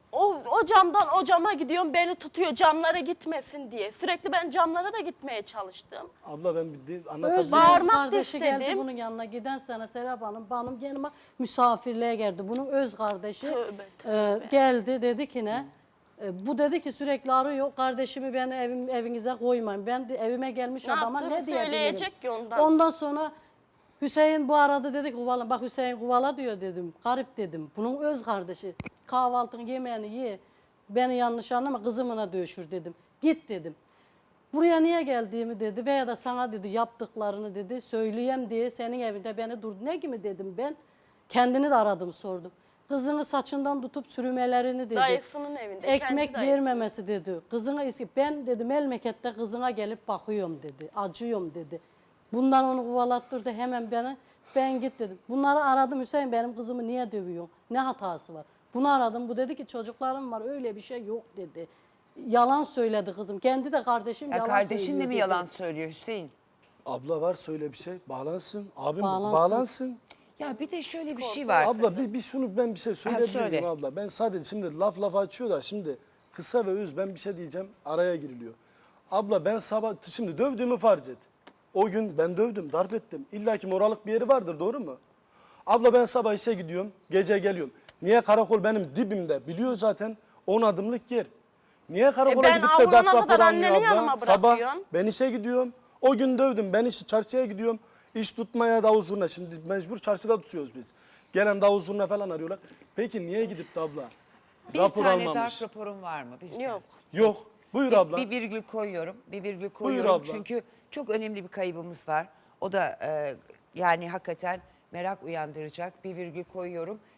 Speaker 2: o camdan o cama gidiyorum beni tutuyor camlara gitmesin diye. Sürekli ben camlara da gitmeye çalıştım.
Speaker 3: Abla ben bir
Speaker 4: Öz
Speaker 3: anlatabilirim.
Speaker 2: Bağırmak da
Speaker 4: kardeşi geldi
Speaker 2: istedim.
Speaker 4: bunun yanına giden sene Serap Hanım benim yanıma misafirliğe geldi. Bunun öz kardeşi
Speaker 2: Tövbe, tövbe.
Speaker 4: geldi dedi ki ne? Bu dedi ki sürekli arıyor kardeşimi ben evinize koymayın. Ben de evime gelmiş
Speaker 2: Ne
Speaker 4: adama
Speaker 2: yaptığını
Speaker 4: ne diyebilirim?
Speaker 2: söyleyecek ki ondan.
Speaker 4: Ondan sonra Hüseyin bu aradı dedi ki Kuvala, bak Hüseyin Kuvala diyor dedim. Garip dedim. Bunun öz kardeşi. Kahvaltını yemeğini ye. Beni yanlış anlama kızımına dövüşür dedim. Git dedim. Buraya niye geldiğimi dedi veya da sana dedi yaptıklarını dedi söyleyeyim diye senin evinde beni durdu. Ne gibi dedim ben. Kendini de aradım sordum. Kızını saçından tutup sürümelerini dedi.
Speaker 2: Dayısının evinde, kendi
Speaker 4: Ekmek
Speaker 2: dayısı.
Speaker 4: vermemesi dedi. Kızına ben dedi memlekette kızına gelip bakıyorum dedi. Acıyorum dedi. Bundan onu kovalattırdı hemen beni. Ben git dedim. Bunları aradım Hüseyin benim kızımı niye dövüyorsun? Ne hatası var? Bunu aradım. Bu dedi ki çocuklarım var öyle bir şey yok dedi. Yalan söyledi kızım. Kendi de kardeşim
Speaker 1: Ya
Speaker 4: yalan
Speaker 1: kardeşin de
Speaker 4: söylüyor
Speaker 1: mi
Speaker 4: dedi.
Speaker 1: yalan söylüyor Hüseyin?
Speaker 3: Abla var söyle bir şey bağlansın. Abim
Speaker 4: Bağlansın.
Speaker 3: bağlansın.
Speaker 1: Ya bir de şöyle bir şey var.
Speaker 3: Abla bir şunu ben bir şey söyleyebilir
Speaker 1: söyle.
Speaker 3: miyim abla? Ben sadece şimdi laf açıyor da şimdi kısa ve öz ben bir şey diyeceğim araya giriliyor. Abla ben sabah şimdi dövdüğümü farz et. O gün ben dövdüm, darp ettim. İlla ki moralık bir yeri vardır doğru mu? Abla ben sabah işe gidiyorum, gece geliyorum. Niye karakol benim dibimde? Biliyor zaten 10 adımlık yer. Niye karakola
Speaker 2: ben
Speaker 3: gidip de
Speaker 2: avlana
Speaker 3: darp
Speaker 2: kadar
Speaker 3: raporu almıyor
Speaker 2: anneni
Speaker 3: abla?
Speaker 2: yanıma
Speaker 3: Sabah
Speaker 2: bırakıyorsun.
Speaker 3: ben işe gidiyorum. O gün dövdüm. Ben çarşıya gidiyorum. İş tutmaya davul zurna. Şimdi mecbur çarşıda tutuyoruz biz. Gelen davul zurna falan arıyorlar. Peki niye gidip de abla?
Speaker 1: Bir
Speaker 3: Rapor
Speaker 1: tane
Speaker 3: almamış.
Speaker 1: darp raporun var mı? Bir
Speaker 2: Yok.
Speaker 3: Yok. Buyur abla.
Speaker 1: Bir virgül koyuyorum. Bir virgül koyuyorum.
Speaker 3: abla.
Speaker 1: Çünkü çok önemli bir kaybımız var. O da yani hakikaten merak uyandıracak bir virgül koyuyorum.